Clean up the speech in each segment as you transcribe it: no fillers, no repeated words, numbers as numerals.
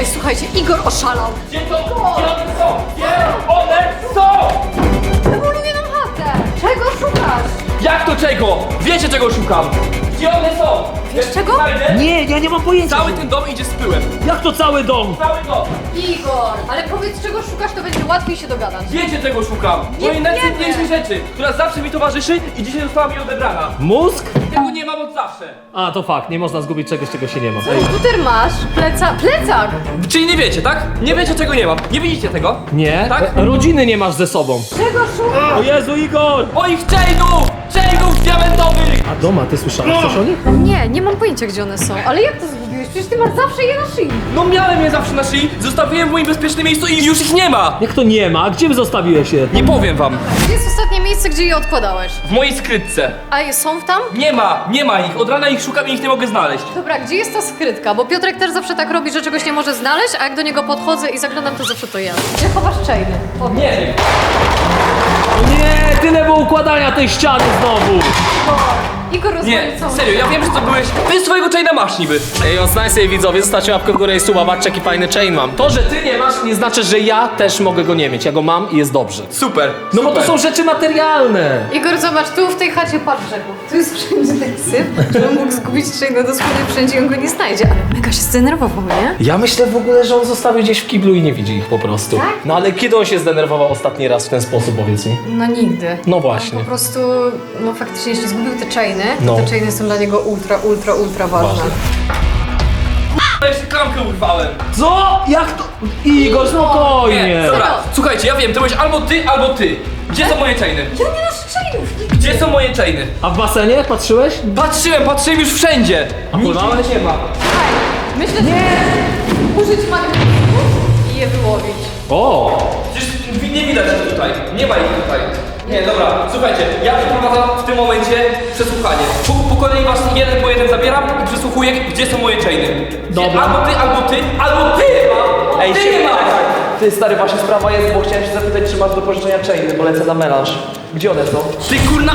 słuchajcie, Igor oszalał. Gdzie to? Gdzie one są? Gdzie one są? Demoluję nam chatę. Czego szukasz? Jak to czego? Wiecie czego szukam? Gdzie one są? Wiesz czego? Znajdę, Nie, ja nie mam pojęcia. cały ten dom idzie z pyłem. Jak to cały dom? Cały dom. Igor, ale powiedz czego szukasz, to będzie łatwiej się dogadać. Wiecie czego szukam? Nie Mojej wiemy. najcenniejszej rzeczy, która zawsze mi towarzyszy i dzisiaj została mi odebrana. Mózg? Tego nie mam od zawsze. A, to fakt, nie można zgubić czegoś, czego się nie ma. Komputer masz, plecak. Czyli nie wiecie, tak? Nie wiecie czego nie mam. Nie widzicie tego? Nie? Tak? Rodziny nie masz ze sobą. Czego szukasz? O Jezu, Igor! Moich chainów! Chainów diamentowych! A doma, ty słyszałeś coś o nich? Nie mam pojęcia gdzie one są, ale jak to zgubiłeś? Przecież ty masz zawsze je na szyi. No miałem je zawsze na szyi, zostawiłem w moim bezpiecznym miejscu i już ich nie ma! Jak to nie ma? A gdzie zostawiłeś je? Nie powiem wam. Gdzie jest ostatnie miejsce, gdzie je odkładałeś? W mojej skrytce. A je są tam? Nie ma ich. Od rana ich szukam i ich nie mogę znaleźć. Dobra, gdzie jest ta skrytka? Bo Piotrek też zawsze tak robi, że czegoś nie może znaleźć, a jak do niego podchodzę i zaglądam, to zawsze to ja. Gdzie chowasz chainy? Powiedz. Nie wiem. O nie, tyle było układania tej ściany znowu! Igor Nie, rozmawiał całą... serio, ja wiem, że to byłeś. Ty swojego chaina masz niby. Ej, on znaj sobie widzowie, zostawcie łapkę w górę i suba, patrzcie jaki fajny chain mam. To, że ty nie masz, nie znaczy, że ja też mogę go nie mieć. Ja go mam i jest dobrze. Super. No bo to super. są rzeczy materialne. Igor, zobacz, tu w tej chacie patrz brzegu. Tu jest wszędzie taki syf, że on mógł zgubić chaina dosłownie wszędzie i on go nie znajdzie. Ale mega się zdenerwował, nie? Ja myślę w ogóle, że on zostawił gdzieś w kiblu i nie widzi ich po prostu. Tak? No ale kiedy on się zdenerwował ostatni raz w ten sposób, powiedz mi? No nigdy. No właśnie. Po prostu, no faktycznie, jeśli zgubił te chainy, No. to te chainy są dla niego ultra ważne. Ważne. Ja jeszcze klamkę urwałem. Co? Jak to? Igor, spokojnie. Dobra, słuchajcie, ja wiem, to byłeś albo ty. Gdzie są moje chainy? Ja nie masz chainów! Gdzie są moje chainy? A w basenie patrzyłeś? Patrzyłem już wszędzie. A pływałeś? nie ma. Słuchaj, myślę, że użyć magnetyzmu i je wyłowić. O! Przecież nie widać ich tutaj. Nie ma ich tutaj. Nie, dobra, słuchajcie, ja przeprowadzam w tym momencie przesłuchanie. Po kolei was jeden po jeden zabieram i przesłuchuję, gdzie są moje chainy. Dobra. Albo ty! Ej, Ty się- nie ma! Ty stary, właśnie sprawa jest, bo chciałem się zapytać, czy masz do pożyczenia chainy, bo lecę na melanż. Gdzie one są? Ty kurna...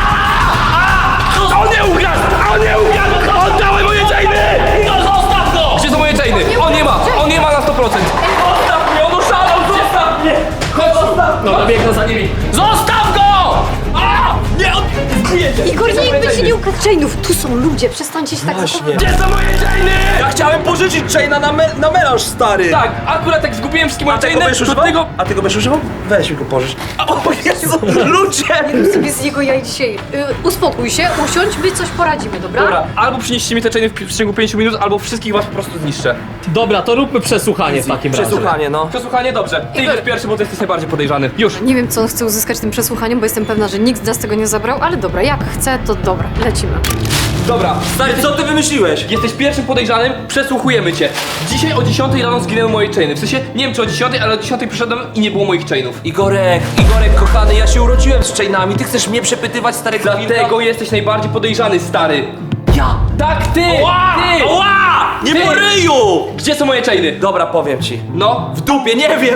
On nie ukradł! Oddałem moje chainy! Zostaw go! Gdzie są moje chainy? On nie ma na 100%. Zostaw mnie, on oszalał, zostaw mnie! Chodź, No to biegnę za nimi. zostaw go! A! Nie, on... Zgniecie! Igor, Gdzie są nikt moje by ci chainy? nie ukradł chainów. Tu są ludzie, przestańcie się tak zachowywać. Gdzie są moje chainy? Ja chciałem pożyczyć chaina na melanż, stary! Tak, akurat tak zgubiłem wszystkie moje A ty go chainy, będziesz do używał? tego... A ty go będziesz używał? Weź mi go pożycz. O Jezu, ludzie! Nie rób sobie z jego jaj dzisiaj. Uspokój się, usiądź, my coś poradzimy, dobra? Dobra, albo przynieście mi te chainy w ciągu 5 minut, albo wszystkich was po prostu zniszczę. Dobra, to róbmy przesłuchanie w takim razie. Przesłuchanie, no. Przesłuchanie, dobrze. Ty Igor. idziesz pierwszy, bo ty jesteś najbardziej podejrzany. Już. Nie wiem, co on chce uzyskać tym przesłuchaniem, bo jestem pewna, że nikt z nas tego nie zabrał, ale dobra, jak chce, to dobra, lecimy. Dobra, Stary, co ty wymyśliłeś? jesteś pierwszym podejrzanym, przesłuchujemy cię. Dzisiaj o 10 rano zginęły moje chainy. W sensie, nie wiem czy o 10, ale o 10 przyszedłem i nie było moich chainów. Igorek, kochany, ja się urodziłem z chainami, ty chcesz mnie przepytywać, starego Dlatego jesteś najbardziej podejrzany, stary. Ja! Tak, ty! Ty! Ła! Nie Ty! po ryju! Gdzie są moje chainy? Dobra, powiem ci. No. W dupie, nie wiem!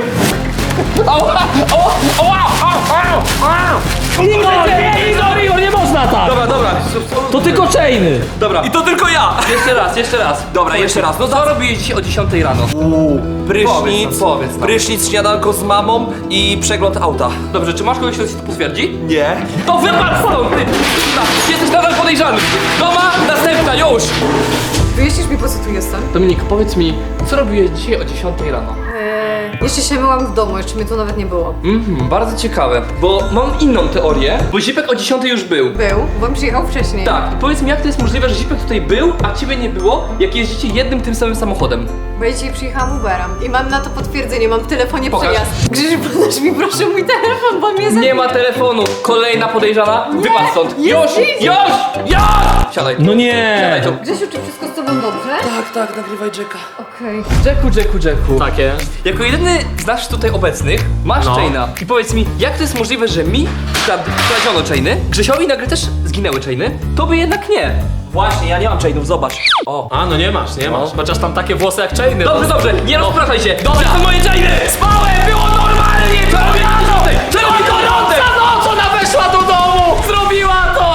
Igor, nie można tak! Dobra. To tylko chainy. Dobra. I to tylko ja! Jeszcze raz. Dobra, jeszcze raz. No co robiłeś dzisiaj o 10 rano? Prysznic, Powiedz nam. prysznic, śniadanko z mamą i przegląd auta. Dobrze, czy masz kogoś, kto ci to potwierdzi? Nie. To wypadł stąd, ty! Jesteś nadal podejrzany! Doma, następna, już! Wyjaśnisz mi, po co tu jestem? Dominik, powiedz mi, co robiłeś dzisiaj o 10 rano? Jeszcze się myłam w domu, jeszcze mnie tu nawet nie było. Bardzo ciekawe, bo mam inną teorię, bo Zipek o 10 już był. Był, bo on przyjechał wcześniej. Tak, i powiedz mi, jak to jest możliwe, że Zipek tutaj był, a ciebie nie było, jak jeździcie jednym tym samym samochodem? Bo ja dzisiaj przyjechałam Uberem i mam na to potwierdzenie, mam w telefonie Pokaż. przejazd. Grzesiu, podasz mi proszę mój telefon, bo mnie Nie ma telefonu, kolejna podejrzana, wypadł stąd. jest Już! Zip. Siadaj. No nie! Siadaj tu. Grzesiu, czy wszystko z tobą dobrze? Tak, nagrywaj Jacka. Okej. Jacku. Tak jest. Jako jedyny z nas tutaj obecnych masz No. chaina. I powiedz mi, jak to jest możliwe, że mi kradziono chainy, Grzesiowi nagle też zginęły chainy, to by jednak nie. Właśnie, ja nie mam chainów, zobacz. O. A, no nie masz. Chociaż tam takie włosy jak chainy. Dobrze, nie rozpraszaj się. Dobra. Gdzie są moje chainy? Spałem, było normalnie! Co robisz? No co ona weszła do domu? Zrobiła to! Czekaj,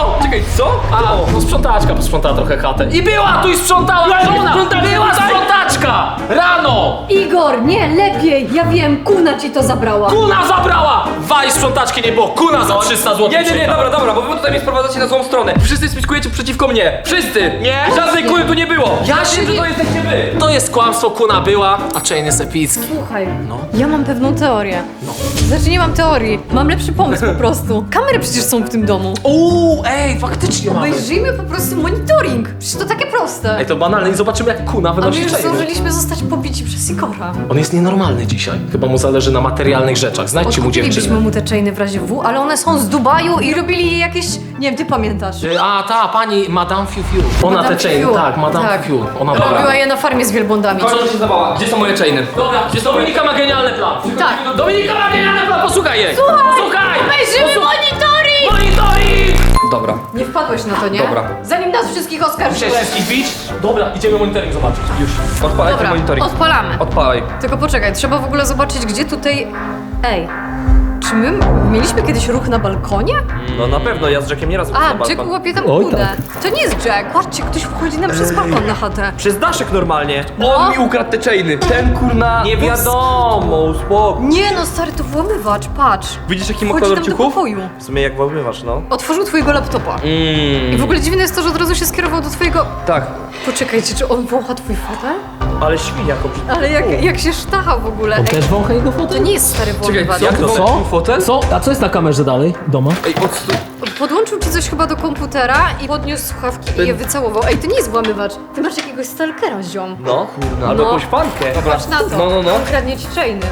Co? A, no sprzątaczka posprzątała trochę chatę. I była tu i sprzątała żona! Była sprzątaczka! Rano! Igor, nie, lepiej! Ja wiem, kuna ci to zabrała. Kuna zabrała! Waj sprzątaczki nie było, kuna za 300 zł. Nie, dobra, bo wy tutaj mnie sprowadzacie na złą stronę. Wszyscy spiskujecie przeciwko mnie. Wszyscy! Nie. Żadnej kury tu nie było. Ja Wiem, się że nie- to jesteście wy. To jest kłamstwo, kuna była, a chain jest epicki. Słuchaj, ja mam pewną teorię. Znaczy nie mam teorii, mam lepszy pomysł po prostu. Kamery przecież są w tym domu. Ej, faktycznie mamy. Obejrzyjmy po prostu monitoring. Przecież to takie proste. Ej, to banalne i zobaczymy jak kuna A my wynosi już chainy. zdążyliśmy zostać pobici przez Igora. On jest nienormalny dzisiaj. Chyba mu zależy na materialnych rzeczach. Znajdźcie mu Odkupilibyśmy dziewczynę. mu te chainy w razie W, ale one są z Dubaju i robili jakieś... Nie wiem, ty pamiętasz. A, ta pani Madame Fiu Fiu. Ona Madame te chainy, Fiu. tak, Madame Tak. Fiu Fiu. Ona Robiła je na farmie z wielbłądami. Kończy się zabawa. Gdzie są moje chainy? Dobra, Dominika ma genialny plan. Tak. Dominika ma genialny plan, posłuchaj jej. Słuchaj! Obejrzymy monitoring! Monitoring! Dobra. Nie wpadłeś na to, nie? Dobra. Zanim nas wszystkich oskarżyłeś. Chciałeś wszystkich bić? Dobra, idziemy monitoring zobaczyć. Już. Odpalaj ten Dobra, monitoring. odpalamy. Odpalaj. Tylko poczekaj, trzeba w ogóle zobaczyć, gdzie tutaj... Ej, czy my mieliśmy kiedyś ruch na balkonie? No na pewno, ja z Jackiem nieraz A, Jack łapie tam Oj, kudę. To nie jest Jack. Patrzcie, ktoś wchodzi nam przez balkon na chatę. Przez daszek normalnie. On mi ukradł te chainy. Ten kurna... Nie wiadomo, uspokój. Nie no, stary, to włamywacz, patrz. Widzisz jaki ma Wchodzi kolor tam do ciuchów? pokoju. W sumie jak włamywasz, no. Otworzył twojego laptopa. I w ogóle dziwne jest to, że od razu się skierował do twojego... Tak. Poczekajcie, czy on wącha twój fotel? Ale świnia go Ale jak się sztacha w ogóle. On też wącha jego To fotel? nie jest stary Czekaj, włamywacz. jak to Co? fotel? Co? A co jest na kamerze dalej? Doma? Ej, odstu... Podłączył ci coś chyba do komputera i podniósł słuchawki i je wycałował. Ej, to nie jest włamywacz. Ty masz jakiegoś stalkera, ziom. No, albo No. jakąś fankę. Patrz na to. No. On kradnie ci chainy.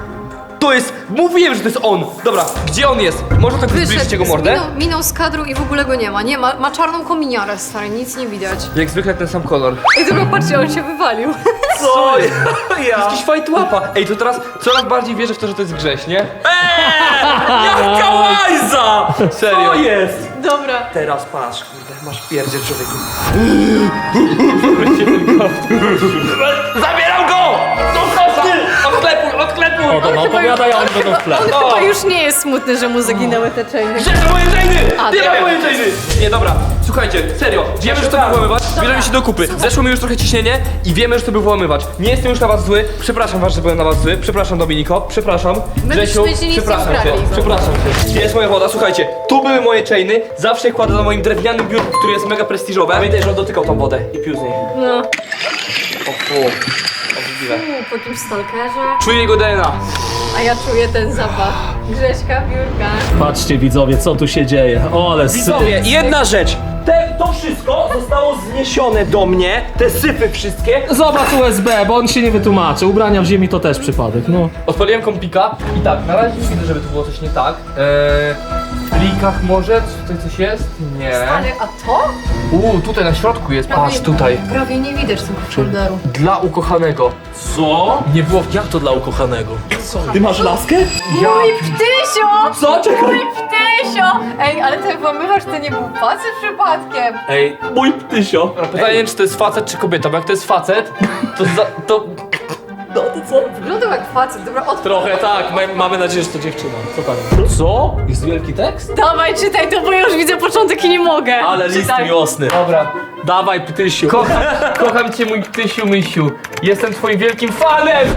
To jest... Mówiłem, że to jest on. Dobra, gdzie on jest? Może tak zbliżyć jego mordę? minął z kadru i w ogóle go nie ma. Nie, ma czarną kominiarę, stary, nic nie widać. Jak zwykle ten sam kolor. Ej, dobra, patrzcie, on się wywalił. Co? Ja. Jakiś fight łapa. Ej, to teraz coraz bardziej wierzę w to, że to jest grześ, nie? Jaka łajza! Serio. Co jest? Dobra. Teraz patrz, kurde, masz pierdzie człowieku. Zabieram go! Odklepuj! O, dobra, opowiadaj, a oni będą w tle. On chyba już nie jest smutny, że mu zaginęły te chainy. Gdzie są moje chainy? A, Nie ma dobra. moje chainy! Nie, dobra, słuchajcie, serio, wiemy, że to był włamywacz, bierzemy się do kupy. Zeszło mi już trochę ciśnienie i wiemy, że to był włamywacz. Nie jestem już na was zły, przepraszam was, że byłem na was zły, przepraszam Dominiko, przepraszam. Grzesiu, byśmy ci nic nie przepraszam cię, ukradli. przepraszam cię. Gdzie jest moja woda? Słuchajcie, tu były moje chainy, zawsze je kładę na moim drewnianym biurku, który jest mega prestiżowe. Pamiętaj, że on dotykał tą wodę i pił z niej. No. O fu. Obrzydliwe. Po jakimś stalkerze. Czuję jego DNA. A ja czuję ten zapach. Grześka, biurka. Patrzcie widzowie, co tu się dzieje. O, ale Widzowie, jedna rzecz. To wszystko zostało zniesione do mnie, te syfy wszystkie. Zobacz USB, bo on się nie wytłumaczy. Ubrania w ziemi to też przypadek, no. Odpaliłem kompika i tak, na razie nie widzę, żeby tu było coś nie tak. W plikach może? Czy tutaj coś jest? Nie. Ale, a to? Tutaj na środku jest, patrz tutaj. Prawie nie widać tego folderu. Dla ukochanego. Co? Nie było... Jak to dla ukochanego? Ty masz laskę? Mój ptysio! Co? Czekaj. Mój ptysio! Ej, ale ten włamywacz to nie był facet przypadkiem. Ej, Mój ptysio. Pytanie, czy to jest facet, czy kobieta, bo jak to jest facet, to... Wyglądał jak facet, dobra, trochę tak. Mamy nadzieję, że to dziewczyna. Co tam? Co? Jest wielki tekst? Dawaj, czytaj to, bo ja już widzę początek i nie mogę. Ale list Czytaj. miłosny. Dobra. Dawaj, ptysiu. Kocham cię, mój ptysiu, mysiu. Jestem twoim wielkim fanem!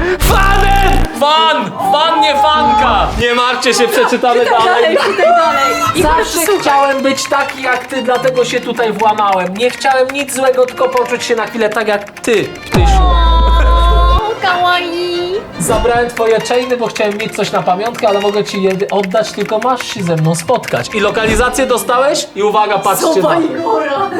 Fan, nie fanka! Nie martwcie się, przeczytamy dalej. Czytaj dalej. I Zawsze słuchaj. chciałem być taki jak ty, dlatego się tutaj włamałem. Nie chciałem nic złego, tylko poczuć się na chwilę tak jak ty, ptysiu. O, kawaii. Zabrałem twoje chainy, bo chciałem mieć coś na pamiątkę, ale mogę ci je oddać, tylko masz się ze mną spotkać. I lokalizację dostałeś? I uwaga, patrzcie Soba na... Igora.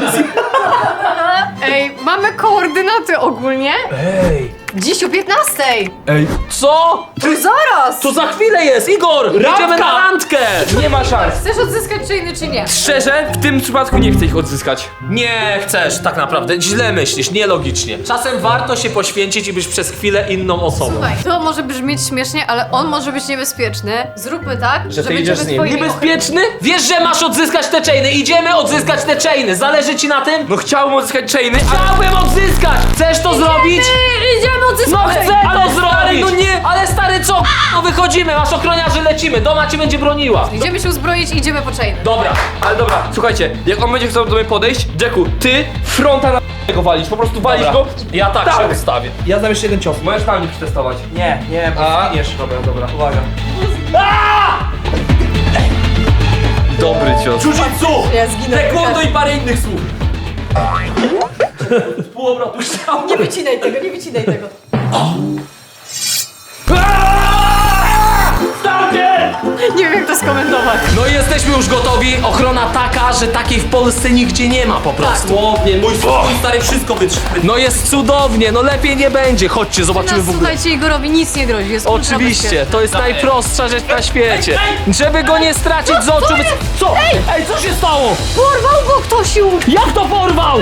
Ej, mamy koordynaty ogólnie. Ej, Dziś o 15. co? To zaraz. To za chwilę jest, Igor! Idziemy na randkę! Nie ma szans. Chcesz odzyskać chainy czy nie? Szczerze, w tym przypadku nie chcę ich odzyskać. Nie chcesz, tak naprawdę. Źle myślisz, nielogicznie. Czasem warto się poświęcić i być przez chwilę inną osobą. Słuchaj, to może brzmieć śmiesznie, ale on może być niebezpieczny. Zróbmy tak, że ty będziemy idziesz z nim. twoimi Niebezpieczny? Wiesz, że masz odzyskać te chainy. Idziemy odzyskać te chainy. Zależy ci na tym? No chciałbym odzyskać chainy, ale... Chciałbym odzyskać! Chcesz to zrobić? Idziemy odzyskać No chcę chainy. to zrobić! no nie. Ale stary, co? No wychodzimy, masz ochroniarzy, lecimy. Doma cię będzie broniła. Idziemy się uzbroić i idziemy po chain. Dobra. Ale dobra, słuchajcie, jak on będzie chciał do mnie podejść, Jacku, ty fronta na go walić, po prostu walić Dobra. go. Ja tak Tak. się ustawię. Ja znam jeszcze jeden cios. Możesz tam nie przetestować. Nie, bo A, zginiesz. dobra. Uwaga. Dobry cios. Jiu-jitsu! Ja zginę. Taekwondo i parę innych słów. Pół obrotu ściał. Nie wycinaj tego, nie wycinaj tego. Nie wiem jak to skomentować. No i jesteśmy już gotowi. Ochrona taka, że takiej w Polsce nigdzie nie ma po prostu. Słownie, mój stary wszystko wytrzyma. No jest cudownie, no lepiej nie będzie. Chodźcie, zobaczymy Nas, w ogóle. słuchajcie, Igorowi nic nie grozi, jest ultra Oczywiście, bezpieczny. to jest najprostsza rzecz na świecie. Żeby go nie stracić z oczu. Co? Ej, co się stało? Porwał go ktoś już! Jak to porwał?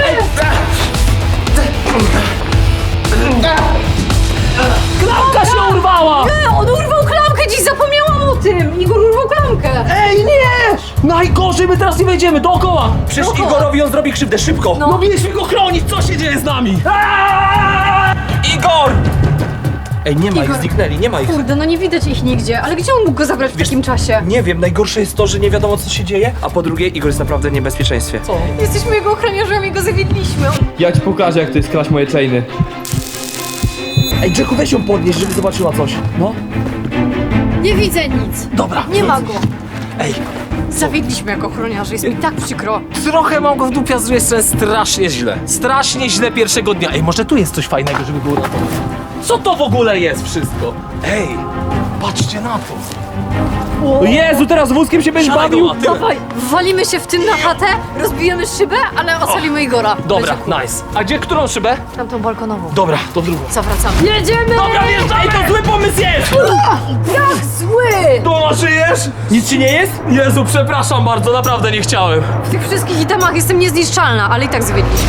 Klamka się urwała! On urwał klamkę, dziś zapomniałam o tym! Igor urwał klamkę! Ej, nie! Najgorzej, my teraz nie wejdziemy, dookoła! Przecież Dookoła. Igorowi on zrobi krzywdę, szybko! No mieliśmy go chronić, co się dzieje z nami? Igor! Ej, nie ma Igor. ich, zniknęli, nie ma ich. Kurde, no nie widać ich nigdzie, ale gdzie on mógł go zabrać w takim czasie? Nie wiem, najgorsze jest to, że nie wiadomo co się dzieje, a po drugie Igor jest naprawdę w niebezpieczeństwie. Co? Jesteśmy jego ochroniarzami i go zawiedliśmy. Ja ci pokażę, jak to jest kraść moje chainy. Ej, Jacku, weź ją podnieść, żeby zobaczyła coś. No. Nie widzę nic. Dobra. Nie ma go. Ej, Zawiedliśmy jako ochroniarze, jest mi tak przykro. Trochę mam go w dupie, a z drugiej strony strasznie źle. Strasznie źle pierwszego dnia. Ej, może tu jest coś fajnego, żeby było na to. Co to w ogóle jest wszystko? ej! Patrzcie na to. Jezu, teraz wózkiem się będziesz Siadaj bawił? go, tyłem. Dawaj, walimy się w tym na chatę, rozbijemy szybę, ale ocalimy Igora. Dobra, Leciaku. nice. A gdzie, którą szybę? Tamtą balkonową. Dobra, to drugą. Zawracamy. Jedziemy! Dobra, wjeżdżamy! Ej, to zły pomysł jest! Jak zły! To żyjesz? Nic ci nie jest? Jezu, przepraszam bardzo, naprawdę nie chciałem. W tych wszystkich itemach jestem niezniszczalna, ale i tak zawiedliśmy.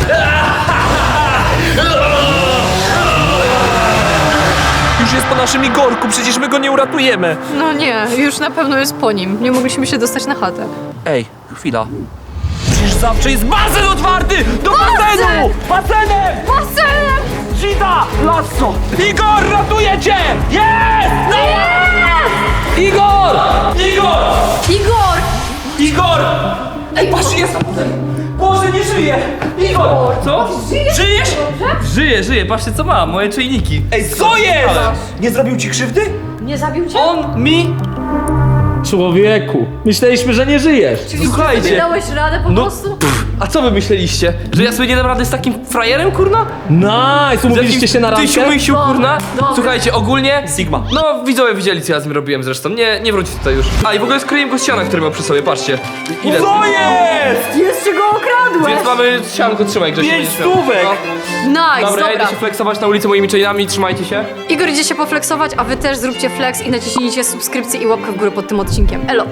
Już jest po naszym Igorku, przecież my go nie uratujemy. No nie, już na pewno jest po nim. Nie mogliśmy się dostać na chatę. Ej, chwila. Przecież zawsze jest basen otwarty! Do basenu! Basenem! Basenem! Gita! Lasso! Igor, ratuje cię! Jest! Igor! Igor! Igor! Igor! Ej, patrz, jest! Boże, nie żyje! Igor! Co? Żyjesz? Żyję, patrzcie co mam, moje czajniki. Ej, co jest? Nie zrobił ci krzywdy? Nie zabił cię? On mi... Człowieku, myśleliśmy, że nie żyjesz. Czyli Słuchajcie. ty dałeś radę po No, prostu? a co wy myśleliście? Że ja sobie nie dam rady z takim frajerem, kurna? Nice, umówiliście się na randkę? Tysiu mysiu, Dobra, kurna? dobra. Słuchajcie, ogólnie... Sigma. No, widzowie widzieli, co ja z nim robiłem zresztą. Nie wróci tutaj już. A, i w ogóle skryłem go z siana, który miał przy sobie, patrzcie. Ile? Co jest? Jeszcze go okradłeś! Więc mamy sianko, trzymaj, Grzesiu. 5 będziesz miał. stówek! Nice, No. Dobra, ja dobra. idę się flexować na ulicy moimi chainami, trzymajcie się. Igor idzie się poflexować, a wy też zróbcie flex i naciśnijcie subskrypcję i łapkę w górę pod tym odcinkiem. Elo!